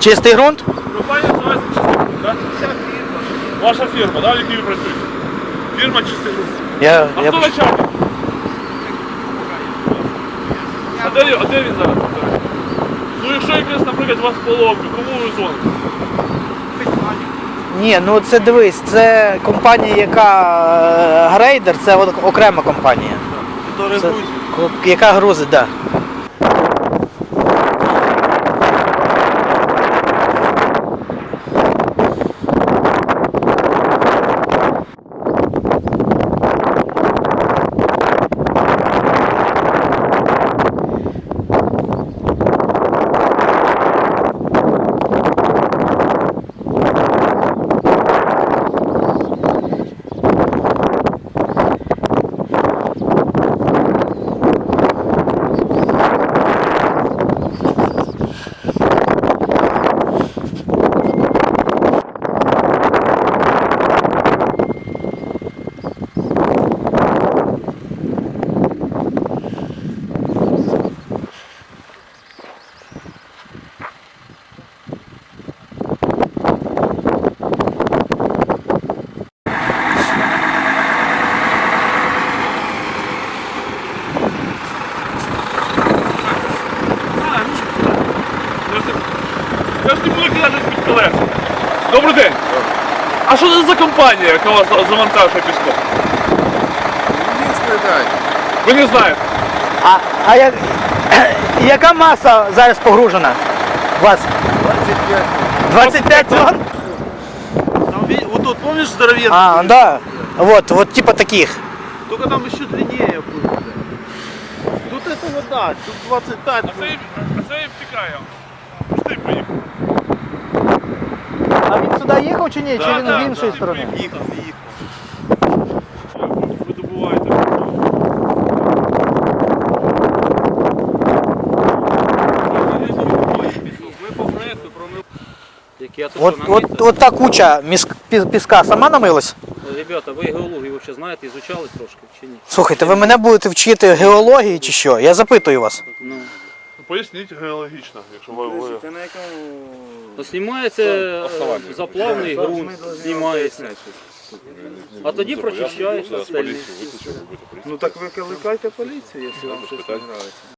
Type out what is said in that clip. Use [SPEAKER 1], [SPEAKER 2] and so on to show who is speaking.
[SPEAKER 1] Чистий ґрунт?
[SPEAKER 2] Компанія називається «Чистий ґрунт», так? Ваша фірма, да, в якій ви працюєте? Фірма «Чистий ґрунт». А хто начальник? А де він зараз? Ну якщо якась, наприклад, у вас поломка, кому ви дзвоните?
[SPEAKER 1] Ні, ну це дивись, це компанія, яка грейдер, це окрема компанія. Це, яка грузить, так. Да.
[SPEAKER 2] Я ж не буду кидати під колеса. Добрий день. А що це за компанія, яка вас завантажує піском? Ви не знаєте?
[SPEAKER 1] А яка маса зараз погружена у вас? 25 тонн?
[SPEAKER 3] Вот тут, помнишь, здоровенный?
[SPEAKER 1] А, да. Вот типа таких.
[SPEAKER 3] Только там еще длиннее будет. Тут это вот да, тут 25.
[SPEAKER 2] А це і втікає. Пусти поїхав.
[SPEAKER 1] А він сюди їхав чи ні? Чи він з іншої
[SPEAKER 2] да,
[SPEAKER 1] сторони?
[SPEAKER 3] Їхав.
[SPEAKER 2] Ви добуваєте.
[SPEAKER 3] Ми по проекту промив.
[SPEAKER 1] От та куча піска сама намилась?
[SPEAKER 4] Ребята, ви геологію вообще знаєте, ізучали трошки чи ні?
[SPEAKER 1] Слухайте, ви мене будете вчити геології чи що? Я запитую вас.
[SPEAKER 4] Ну.
[SPEAKER 2] Поясніть геологічно, якщо ви...
[SPEAKER 3] Ти на якому...
[SPEAKER 4] То знімається заплавний ґрунт, знімається. А тоді прочищається стельник.
[SPEAKER 3] Ну так викликайте поліцію, якщо вам щось не подобається.